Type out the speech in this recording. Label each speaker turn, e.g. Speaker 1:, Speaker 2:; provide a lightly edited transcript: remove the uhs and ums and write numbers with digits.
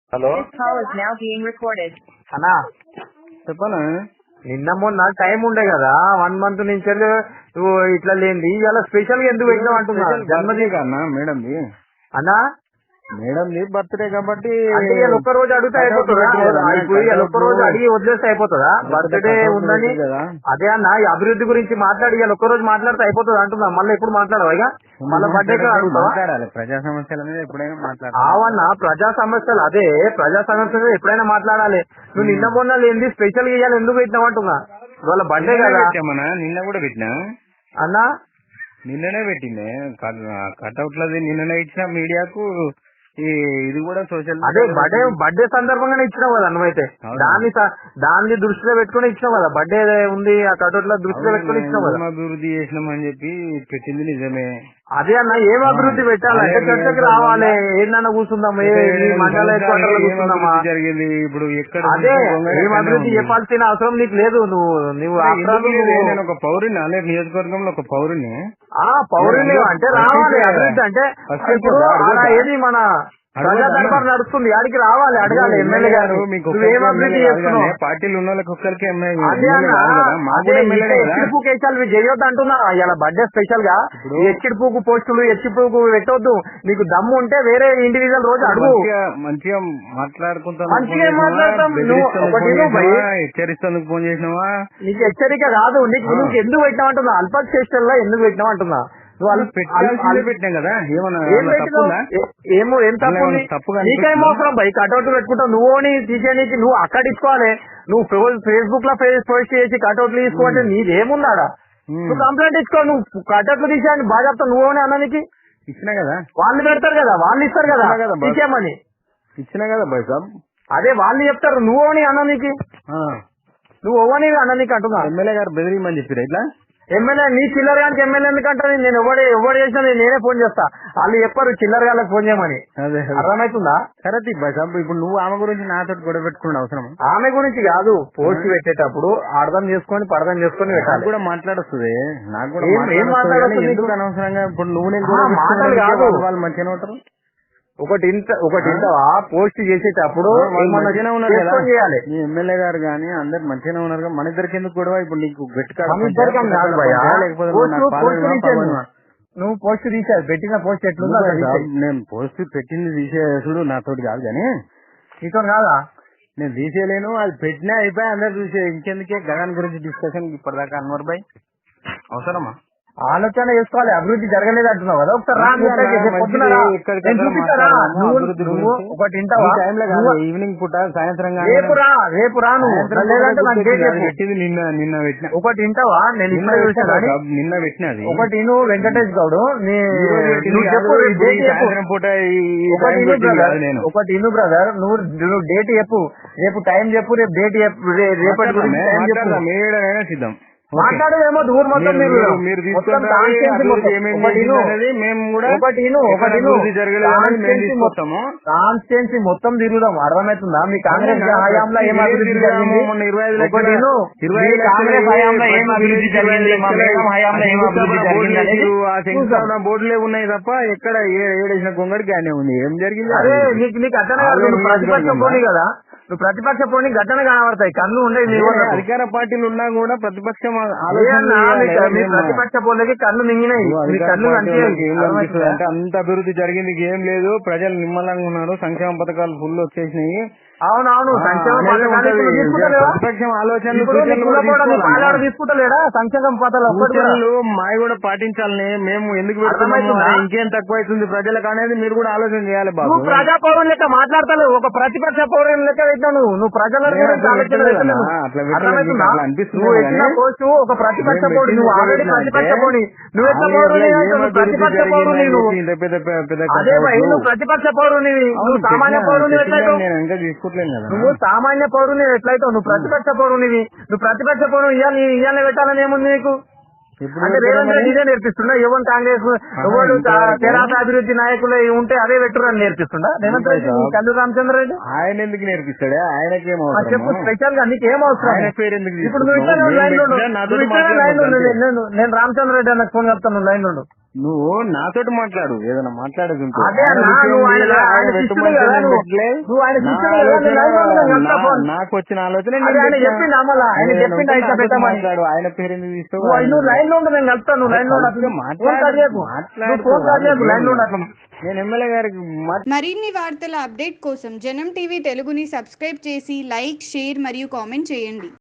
Speaker 1: Hello
Speaker 2: This call is now being recorded.
Speaker 1: అన్నా
Speaker 3: చెప్పనా?
Speaker 1: నిన్న మొన్న టైం ఉండే కదా 1 month నుంచి నువ్వు ఇట్లా లేనిది ఇలా స్పెషల్ గా ఎందుకు పెట్టావు అంటున్నా.
Speaker 3: జన్మదిన కన్నా మేడంది
Speaker 1: అన్నా
Speaker 3: బర్త్డే కాబట్టి
Speaker 1: అంటే ఇలా ఒక్క రోజు అడిగితే అయిపోతుందా? ఇప్పుడు ఇలా ఒక్క రోజు అడిగి వదిలేస్తే అయిపోతుందా? బర్త్డే ఉందని అదే అన్న ఈ అభివృద్ధి గురించి మాట్లాడి ఇలా ఒక్క రోజు మాట్లాడితే అయిపోతుంది అంటున్నా. మళ్ళీ ఎప్పుడు మాట్లాడవా ఇక మళ్ళీ బర్త్డే
Speaker 3: మాట్లాడాలి. ప్రజా సమస్యల మీద ఎప్పుడైనా మాట్లాడాలి.
Speaker 1: అవన్నా ప్రజా సమస్యలు అదే ప్రజా సమస్యలు ఎప్పుడైనా మాట్లాడాలి. నువ్వు నిన్న మొన్న లేనిది స్పెషల్ గా ఇవ్వాలి ఎందుకు పెట్టినావు అంటున్నా. ఇవాళ బర్త్డే కదా
Speaker 3: నిన్న కూడా పెట్టినా
Speaker 1: అన్నా
Speaker 3: నిన్ననే పెట్టిందే కట్అవుట్లది నిన్ననే ఇచ్చిన మీడియాకు. ఇది కూడా సోషల్
Speaker 1: అదే బర్త్డే సందర్భంగానే ఇచ్చినావు కదా నువ్వైతే దాన్ని దృష్టిలో పెట్టుకుని ఇచ్చినావు కదా. బర్త్డే ఉంది ఆ కటౌట్ల దృష్టిలో పెట్టుకుని ఇచ్చినావు కదా.
Speaker 3: అభివృద్ధి చేసినామని చెప్పి పెట్టింది నిజమే.
Speaker 1: అదే అన్న ఏం అభివృద్ధి పెట్టాలంటే చర్చకి రావాలి. ఏందన్నా కూర్చుందాం
Speaker 3: జరిగింది ఇప్పుడు ఎక్కడ
Speaker 1: అదే ఏం అభివృద్ధి చెప్పాల్సిన అవసరం నీకు లేదు. నువ్వు
Speaker 3: నేను ఒక పౌరుని అనే నియోజకవర్గంలో ఒక పౌరుని
Speaker 1: పౌరుని అంటే రావాలి. అభివృద్ధి అంటే ఏది మన ప్రజా దర్బార్ నడుస్తుంది ఆడికి రావాలి అడగాలి. ఎమ్మెల్యే గారు మీకు ఏం అభివృద్ధి చేస్తున్నావు?
Speaker 3: పార్టీలు ఉన్న వాళ్ళకి ఒక్కరికి
Speaker 1: ఎచ్చిడిపూకేసాలు చేయొద్దు అంటున్నా. ఇలా బర్త్డే స్పెషల్ గా ఎచ్చిడిపూకు పోస్టులు ఎచ్చిడిపూకు పెట్టొద్దు. నీకు దమ్ము ఉంటే వేరే ఇండివిజువల్ రోజు అడుగు.
Speaker 3: మంచిగా మాట్లాడుకుంటాం.
Speaker 1: మంచిగా మాట్లాడతాం.
Speaker 3: హెచ్చరిస్తేందుకు ఫోన్ చేసినావా?
Speaker 1: నీకు హెచ్చరిక కాదు. నీకు ఎందుకు పెట్టినావు అంటున్నా. అల్పశేష్టల్లో ఎందుకు పెట్టినావు అంటున్నా.
Speaker 3: పెట్టినాం కదా
Speaker 1: ఏమో ఏం తప్పు నీకేం అవసరం బై కటౌట్లు పెట్టుకుంటావు. నువ్వు తీసేయడానికి నువ్వు అక్కడ ఇచ్చుకోవాలి. నువ్వు ఫేస్బుక్ లో పోస్ట్ చేసి కటౌట్లు తీసుకోవాలంటే నీదేముందాడా? నువ్వు కంప్లైంట్ ఇచ్చుకో. నువ్వు కటౌట్లు తీసేయని బాగా చెప్తావు. నువ్వు అన్ననికి
Speaker 3: ఇచ్చినా కదా.
Speaker 1: వాళ్ళు పెడతారు కదా వాళ్ళు ఇస్తారు కదా తీసేయమని
Speaker 3: ఇచ్చినా కదా బై సాబ్.
Speaker 1: అదే వాళ్ళు చెప్తారు. నువ్వు అన్ననికి నువ్వు ఓవని అన్ననికి అంటున్నా.
Speaker 3: ఎమ్మెల్యే గారు బెదిరియమని చెప్పారు ఇట్లా.
Speaker 1: ఎమ్మెల్యే నీ చిల్లర గానికి ఎమ్మెల్యే ఎందుకంటే నేను ఎవరు చేసినా నేనే ఫోన్ చేస్తా. వాళ్ళు చెప్పారు చిల్లర గాళ్ళకి ఫోన్ చేయమని. అర్థమవుతుందా?
Speaker 3: కరెక్ట్ ఇప్పుడు నువ్వు ఆమె గురించి నాతో గొడవ పెట్టుకున్నాడు అవసరం.
Speaker 1: ఆమె గురించి కాదు. పోస్ట్ పెట్టేటప్పుడు అర్థం చేసుకొని పర్థం చేసుకొని పెట్టాలి.
Speaker 3: కూడా మాట్లాడొస్తుంది. నాకు కూడా
Speaker 1: ఎందుకు
Speaker 3: అనవసరంగా ఇప్పుడు నువ్వు
Speaker 1: మాటలు కాదు.
Speaker 3: వాళ్ళు మంచిగానే ఉంటారు.
Speaker 1: ఒకటి పోస్ట్ చేసేటప్పుడు చేయాలి.
Speaker 3: ఎమ్మెల్యే గారు గానీ అందరు మంచిగానే ఉన్నారు. మన ఇద్దరికి ఎందుకు కూడా ఇప్పుడు నీకు
Speaker 1: నువ్వు పోస్ట్ తీసేది పెట్టిన పోస్ట్ ఎట్లుందో
Speaker 3: నేను పోస్ట్ పెట్టింది తీసేసుడు నాతోటి కాదు కానీ
Speaker 1: నీతో కాదా.
Speaker 3: నేను తీసేయలేను. అది పెట్టినా అయిపోయి అందరు చూసే ఇంకెందుకే గగన్ గురించి డిస్కషన్ ఇప్పటిదాకా అన్వర్ భాయ్ అవసరమా?
Speaker 1: ఆలోచన చేసుకోవాలి. అభివృద్ధి జరగలేదు అంటున్నావు కదా. ఒకసారి
Speaker 3: ఈవినింగ్ పూట సాయంత్రం
Speaker 1: రేపు రా నువ్వు
Speaker 3: పెట్టింది నిన్న పెట్టిన
Speaker 1: ఒకటి ఇంటావా? నేను ఇప్పుడే చూసాను
Speaker 3: నిన్న పెట్టినది.
Speaker 1: ఒకటి నువ్వు వెంకటేష్ గౌడ్
Speaker 3: సాయంత్రం పూట
Speaker 1: ఒకటి ఇను బ్రదర్. నువ్వు డేట్ చెప్పు. రేపు టైం చెప్పు. రేపు డేట్ చెప్పు. రేపటి గురించి
Speaker 3: మీడైనా సిద్ధం
Speaker 1: మాట్లాడేమో ఊరు మొత్తం
Speaker 3: మీరు
Speaker 1: కాన్స్టిట్యున్సీ మొత్తం తిరుగుదాం. అర్థమవుతుందా? మీ కాంగ్రెస్ హయాంలో ఏం అభివృద్ధి జరిగింది? కాంగ్రెస్ హయాంలో ఏం అభివృద్ధి జరిగింది? మా మేడం హయాంలో ఏం అభివృద్ధి జరిగింది?
Speaker 3: బోర్డులే ఉన్నాయి తప్ప ఎక్కడ ఏడేసిన గొంగడికి ఆయన ఉంది. ఏం జరిగింది?
Speaker 1: అదే నీకు అర్థం కాదు. నువ్వు ప్రతిపక్ష పోనీ కదా. నువ్వు ప్రతిపక్ష పోనీ గట్టనే కనబడతాయి. కళ్ళు ఉండేది.
Speaker 3: అధికార పార్టీలు ఉన్నా కూడా ప్రతిపక్షం
Speaker 1: ప్రతిపక్ష పోలకి కళ్ళు మింగినాయి. కళ్ళు
Speaker 3: అంటే అంత అభివృద్ధి జరిగింది ఏం లేదు. ప్రజలు నిమ్మలంగా ఉన్నారు. సంక్షేమ పథకాలు ఫుల్ వచ్చేసినాయి.
Speaker 1: అవునవును.
Speaker 3: ప్రతిపక్షం ఆలోచనలు
Speaker 1: తీసుకుంటలేడా? సంక్షేమ పథకాలు
Speaker 3: మావి కూడా పాటించాలని మేము ఎందుకు ఇంకేం తక్కువ అవుతుంది ప్రజలకు అనేది మీరు కూడా ఆలోచన చేయాలి. బాబు
Speaker 1: ప్రజా పౌరుని లెక్క మాట్లాడతావు. ఒక ప్రతిపక్ష పౌరుని లెక్క పెట్టావు. నువ్వు ప్రజల పోస్ట్ ఒక ప్రతిపక్ష పౌరుడు. నువ్వు ఆల్రెడీ ప్రతిపక్ష పౌరుని. నువ్వు ఎట్లా పౌరుని? ప్రతిపక్ష పౌరుని. అదే నువ్వు ప్రతిపక్ష పౌరుని. నువ్వు సామాన్య పౌరుని ఎట్లయితే నువ్వు సామాన్య పౌరుని ఎట్లయితావు? నువ్వు ప్రతిపక్ష పౌరునివి. నువ్వు ప్రతిపక్ష పౌరుని ఇయ్యాలని పెట్టాలని ఏముంది నీకు? అంటే రేవంత్ రెడ్డి ఇదే నేర్పిస్తుండా? ఎవరు కాంగ్రెస్ ఎవరు తెరాస అభివృద్ధి నాయకులు ఉంటే అదే పెట్టురని నేర్పిస్తుండా రేవంత్ రెడ్డి? కల్లు రామచంద్ర రెడ్డి
Speaker 3: ఆయన ఎందుకు నేర్పిస్తాడా? ఆయనకేమో
Speaker 1: చెప్పు. స్పెషల్ గా నీకేం అవసరం? ఇప్పుడు నువ్వు ఇట్లా లైన్ లో నేను రామచంద్ర రెడ్డి అన్నకు ఫోన్ చెప్తాను. లైన్ లో
Speaker 3: నువ్వు నాతోటి మాట్లాడు, ఏదైనా మాట్లాడేది ఉంటే.
Speaker 1: అదే అన్నా, నువ్వు ఆయన శిష్యుడు కదా, నువ్వు ఆయన శిష్యుడు కదా, నేను లైన్ లో ఉన్నాను, ఎంత ఫోన్.
Speaker 3: నాకు వచ్చిన ఆలోచన
Speaker 1: అదే ఆయన చెప్పిండు అమల, ఆయన చెప్పిండు అయితే పెట్టమని.
Speaker 3: మాట్లాడు, ఆయన పేరు ఎందుకు తీస్తావు?
Speaker 1: నువ్వు లైన్ లో ఉండు, నేను కలుస్తాను. నువ్వు లైన్ లో ఉండు, ఫోన్ కట్ చేయకు. నువ్వు ఫోన్ కట్ చేయకు, లైన్ లో ఉండు అట్లా.
Speaker 3: నేను ఎమ్మెల్యే గారికి
Speaker 4: మరిన్ని వార్తల అప్డేట్ కోసం జనం టీవీ తెలుగుని సబ్స్క్రైబ్ చేసి లైక్, షేర్ మరియు కామెంట్ చేయండి.